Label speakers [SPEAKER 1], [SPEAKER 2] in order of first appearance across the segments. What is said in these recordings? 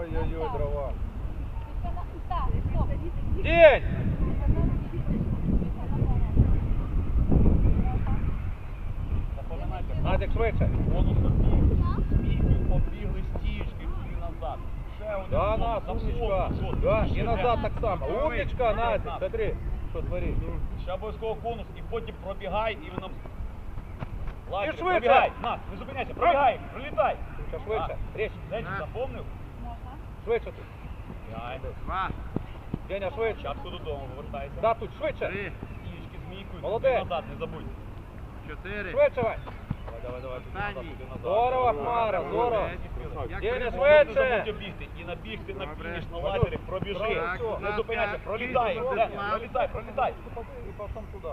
[SPEAKER 1] Ой-ой-ой, дрова.
[SPEAKER 2] День!
[SPEAKER 3] Запам'ятайте,
[SPEAKER 2] Назик, швидше.
[SPEAKER 3] бонус обіг, змійкою побігли стіючки і назад. Ще один
[SPEAKER 2] Да,
[SPEAKER 3] бонус,
[SPEAKER 2] нас, умничка.
[SPEAKER 3] заповнив, от,
[SPEAKER 2] Да,
[SPEAKER 3] ще
[SPEAKER 2] і назад так само.
[SPEAKER 3] Готовий?
[SPEAKER 2] Умничка, Назик,
[SPEAKER 3] Назад.
[SPEAKER 2] смотри, що творить.
[SPEAKER 3] Ще обов'язково конус і потім пробігай і ви нам... Лагерь,
[SPEAKER 2] швидше.
[SPEAKER 3] пробігай, Нас, не зупиняйся, пробігай, пролітай.
[SPEAKER 2] Ще швидше, річ.
[SPEAKER 3] Денчик запомнив?
[SPEAKER 2] Швидше тут.
[SPEAKER 3] Бігай.
[SPEAKER 2] Деня, швидше.
[SPEAKER 3] Спочатку додому повертайся.
[SPEAKER 2] Да, тут, швидше.
[SPEAKER 3] Стіючки змійкою,
[SPEAKER 2] Молодець.
[SPEAKER 3] назад, не забудь.
[SPEAKER 4] 4.
[SPEAKER 2] Швидше, Вань.
[SPEAKER 3] Давай, туди назад, туди назад.
[SPEAKER 2] Здорово, Хмара, здорово.
[SPEAKER 4] Як
[SPEAKER 2] Деня,
[SPEAKER 4] прибув,
[SPEAKER 3] Не
[SPEAKER 2] швидше.
[SPEAKER 3] забудь обігти і набігти на
[SPEAKER 4] Добре.
[SPEAKER 3] фініш на лазері, пробіжи.
[SPEAKER 2] Так,
[SPEAKER 3] Не
[SPEAKER 4] так,
[SPEAKER 3] зупиняйся,
[SPEAKER 4] так.
[SPEAKER 3] пролітай,
[SPEAKER 4] Кість,
[SPEAKER 3] Деня,
[SPEAKER 4] план.
[SPEAKER 3] пролітай.
[SPEAKER 2] І потім туди.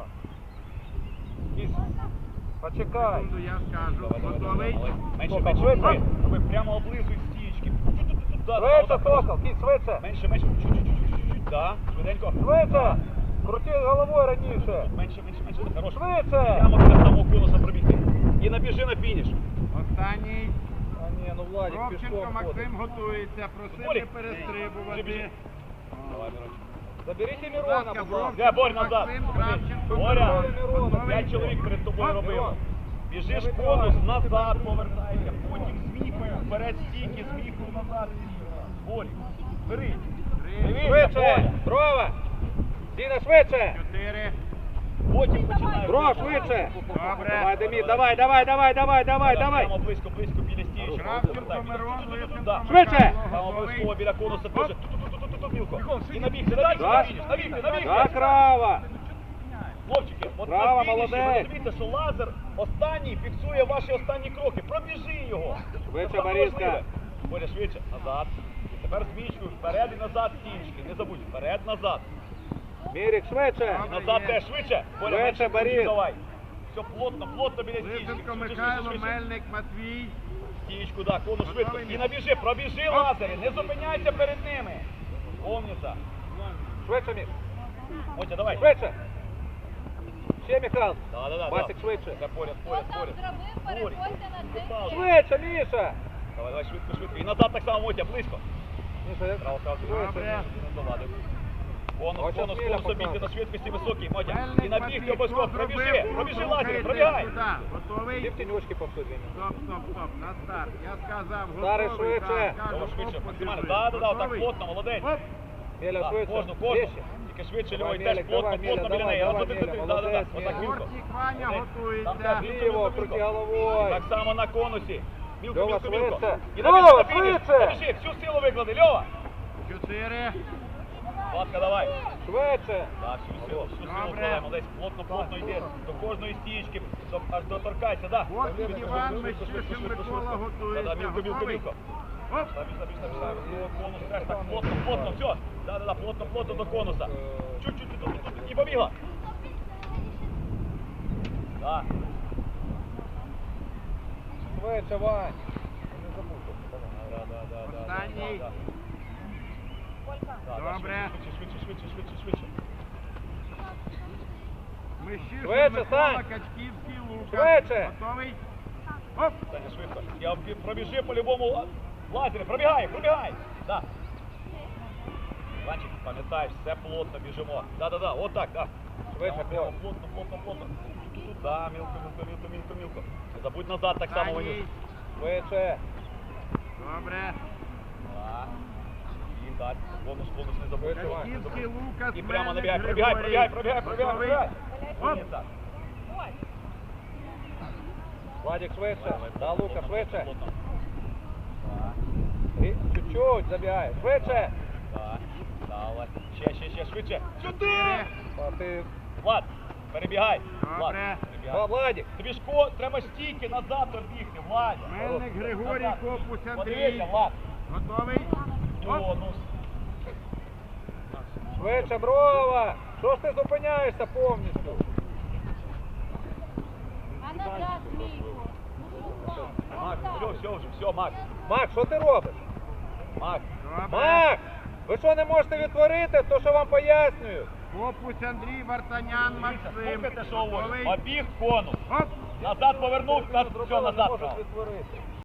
[SPEAKER 2] Кісь. Почекай.
[SPEAKER 4] Секунду, я скажу.
[SPEAKER 3] Давай,
[SPEAKER 4] Готовий?
[SPEAKER 3] Менше,
[SPEAKER 2] Сокол,
[SPEAKER 3] менше,
[SPEAKER 2] швидше.
[SPEAKER 3] роби прямо облизуй стіючки.
[SPEAKER 2] Швидше, Сокол, Кісь, швидше.
[SPEAKER 3] Менше, чуть-чуть, да, швиденько.
[SPEAKER 2] Швидше. Крути головою раніше.
[SPEAKER 3] Менше, хорош.
[SPEAKER 2] Швидше.
[SPEAKER 3] Прямо біля самого конуса пробігти. І набіжи на фініш.
[SPEAKER 4] Останній.
[SPEAKER 2] А ні, ну Владик
[SPEAKER 4] Ровченко
[SPEAKER 2] пішком ходить.
[SPEAKER 4] Максим готується. Просив
[SPEAKER 3] Борі.
[SPEAKER 4] не перестрибувати.
[SPEAKER 3] Біжи. Давай, Мирончик.
[SPEAKER 2] Заберіть
[SPEAKER 4] Будь
[SPEAKER 2] Мирона,
[SPEAKER 4] ласка,
[SPEAKER 2] будь ласка.
[SPEAKER 3] Де, Борь, назад.
[SPEAKER 4] Максим Кравченко.
[SPEAKER 3] Боря,
[SPEAKER 4] Готовий?
[SPEAKER 3] 5 чоловік перед тобою
[SPEAKER 4] Оп,
[SPEAKER 3] робило.
[SPEAKER 2] Мирон.
[SPEAKER 3] Біжиш конус, назад повертайся, потім змійкою, вперед стійки, змійкою назад. Борь, бери. Дивися,
[SPEAKER 2] Швидше.
[SPEAKER 3] Боря.
[SPEAKER 2] Дрова. Діна, швидше.
[SPEAKER 4] 4.
[SPEAKER 3] Потім починає.
[SPEAKER 2] Дрова, швидше.
[SPEAKER 4] Добре.
[SPEAKER 2] Давай, Демід, давай.
[SPEAKER 3] Прямо близько біля стіючки.
[SPEAKER 4] Кравченко, Мирон, Лисенко,
[SPEAKER 3] Да.
[SPEAKER 2] Швидше.
[SPEAKER 3] Там обов'язково біля конуса теж. Тут, Мілко. І набігти,
[SPEAKER 2] Да.
[SPEAKER 3] набігти.
[SPEAKER 2] Да, крава.
[SPEAKER 3] Хлопчики, от
[SPEAKER 2] Браво,
[SPEAKER 3] на фініші ви
[SPEAKER 2] молодець.
[SPEAKER 3] розумієте, що лазер останній фіксує ваші останні кроки. Пробіжи його.
[SPEAKER 2] Швидше,
[SPEAKER 3] Це саме
[SPEAKER 2] Бориска.
[SPEAKER 3] важливе. Боря, швидше. Назад. Тепер змічкою. Вперед і назад стінчики. Не забудь. Вперед, назад.
[SPEAKER 2] Мірик, швидше.
[SPEAKER 3] І назад теж швидше. Боря,
[SPEAKER 2] Швидше,
[SPEAKER 3] менше
[SPEAKER 2] Борис.
[SPEAKER 3] крутів давай. Все плотно біля стінчики.
[SPEAKER 4] Лисенко Михайло, Мельник, Матвій.
[SPEAKER 3] Стінчку, да, конус швидко.
[SPEAKER 4] Готовий?
[SPEAKER 3] І набіжи, пробіжи лазери. Не зупиняйся перед ними. Помніться.
[SPEAKER 2] Швидше, Мір.
[SPEAKER 3] Мотя, давай.
[SPEAKER 2] Швидше. Ще, Михайло.
[SPEAKER 3] Да.
[SPEAKER 2] Басик, швидше.
[SPEAKER 3] Це поряд.
[SPEAKER 2] Швидше, Міша.
[SPEAKER 3] Давай, швидко. І назад так само, Мотя, близько.
[SPEAKER 2] Міша, як
[SPEAKER 4] Добре.
[SPEAKER 3] Конус
[SPEAKER 2] Міля
[SPEAKER 3] обійти
[SPEAKER 2] показує.
[SPEAKER 3] на швидкості високій, Мотя.
[SPEAKER 4] Мельник,
[SPEAKER 3] І набігти
[SPEAKER 4] Матвій.
[SPEAKER 3] обов'язково.
[SPEAKER 4] Хто
[SPEAKER 3] Пробіжи
[SPEAKER 4] зробив?
[SPEAKER 3] лазери,
[SPEAKER 4] Рухаєтесь
[SPEAKER 3] пробігай.
[SPEAKER 4] сюди. Готовий?
[SPEAKER 2] Ти в тіньочки повсюди.
[SPEAKER 4] Стоп. На старт. Я сказав,
[SPEAKER 2] Старий,
[SPEAKER 4] готовий.
[SPEAKER 2] швидше.
[SPEAKER 4] Так, кажу,
[SPEAKER 3] Давай швидше,
[SPEAKER 4] оп,
[SPEAKER 3] максимально.
[SPEAKER 4] подивись.
[SPEAKER 3] Так,
[SPEAKER 4] Готовий?
[SPEAKER 3] плотно, молодець.
[SPEAKER 4] Оп.
[SPEAKER 2] Міля,
[SPEAKER 3] Так,
[SPEAKER 2] швидше.
[SPEAKER 3] кожну.
[SPEAKER 2] Вище.
[SPEAKER 3] Тільки швидше,
[SPEAKER 2] Давай,
[SPEAKER 3] Львой, теж
[SPEAKER 2] Мелик,
[SPEAKER 3] плотно
[SPEAKER 2] давай, Міля,
[SPEAKER 3] біля неї.
[SPEAKER 2] давай,
[SPEAKER 3] От,
[SPEAKER 2] Міля, молодець,
[SPEAKER 3] отак, Мілко.
[SPEAKER 4] Бортник Ваня
[SPEAKER 3] Там
[SPEAKER 4] готується.
[SPEAKER 3] так,
[SPEAKER 2] Ліво, крути головою.
[SPEAKER 3] Так само на конусі. Мілко.
[SPEAKER 2] Льова, швидше.
[SPEAKER 3] І
[SPEAKER 2] Льова,
[SPEAKER 3] набіжи на фініш.
[SPEAKER 2] швидше.
[SPEAKER 3] Набіжи, всю силу виклади, Льова.
[SPEAKER 4] 4.
[SPEAKER 3] Ласка, давай.
[SPEAKER 2] Швидше.
[SPEAKER 3] Так, всю силу
[SPEAKER 4] Добре.
[SPEAKER 3] вкладаємо. Молодець, плотно йде. До кожної стієчки, аж доторкайся, да.
[SPEAKER 4] Бортник Іван, Мещишин Микола готується.
[SPEAKER 3] Мілко.
[SPEAKER 4] Готовий? Оп.
[SPEAKER 3] Забіж. Конус теж так плотно, все. Да, плотно до конуса. Чуть-чуть, і побігла. Да.
[SPEAKER 2] Швидше, Вань.
[SPEAKER 3] Да.
[SPEAKER 4] Останній. Добре.
[SPEAKER 3] Швидше.
[SPEAKER 4] Мещишин
[SPEAKER 2] Швидше,
[SPEAKER 4] Микола,
[SPEAKER 2] Сань.
[SPEAKER 4] Качківський, Лука.
[SPEAKER 2] Швидше.
[SPEAKER 4] Готовий? Оп.
[SPEAKER 3] Саня, швидко. Я пробіжи по-любому лазері. Пробігай. Да. Іванчик, пам'ятаєш, все плотно біжимо. Да. Отак, да.
[SPEAKER 2] Швидше,
[SPEAKER 3] Прямо плотно. Да, мілко. Не забудь назад так само вниз.
[SPEAKER 4] Останній.
[SPEAKER 2] Швидше.
[SPEAKER 4] Добре.
[SPEAKER 3] Да. І так, конус не забудь.
[SPEAKER 4] Качківський, Лукас,
[SPEAKER 3] І прямо
[SPEAKER 4] Мельник,
[SPEAKER 3] набігай.
[SPEAKER 4] Григорій.
[SPEAKER 3] Пробігай.
[SPEAKER 4] Готовий? Оп.
[SPEAKER 3] Так.
[SPEAKER 2] Владик, швидше. Да, Лука, швидше.
[SPEAKER 3] Плотно.
[SPEAKER 2] І чуть-чуть забігай. Швидше.
[SPEAKER 3] Да. Давай. Ще, швидше. Сюди!
[SPEAKER 2] А ти...
[SPEAKER 3] Влад, перебігай. Влад,
[SPEAKER 4] Добре.
[SPEAKER 3] перебігай.
[SPEAKER 2] Владик.
[SPEAKER 3] Тобі ж треба стійки назад обігти, Владя.
[SPEAKER 4] Мельник Григорій,
[SPEAKER 3] Назад.
[SPEAKER 4] Копус Андрій.
[SPEAKER 3] Подивися, Влад.
[SPEAKER 4] Готовий? Оп.
[SPEAKER 3] О, ну.
[SPEAKER 2] Швидше, Брова. Що ж ти зупиняєшся повністю?
[SPEAKER 5] А назад, Мійку.
[SPEAKER 3] Макс, все, Макс.
[SPEAKER 2] Макс, що ти робиш?
[SPEAKER 3] Макс.
[SPEAKER 4] Добре.
[SPEAKER 2] Макс! Ви що не можете відтворити? То, що вам пояснюю.
[SPEAKER 4] Копус Андрій, Вартанян, Максим.
[SPEAKER 3] Слухайте, що говорю.
[SPEAKER 4] Готовий?
[SPEAKER 3] Обіг конус.
[SPEAKER 4] Оп.
[SPEAKER 3] Назад повернув, все, назад.
[SPEAKER 2] Можеш
[SPEAKER 3] брав.
[SPEAKER 2] відтворити.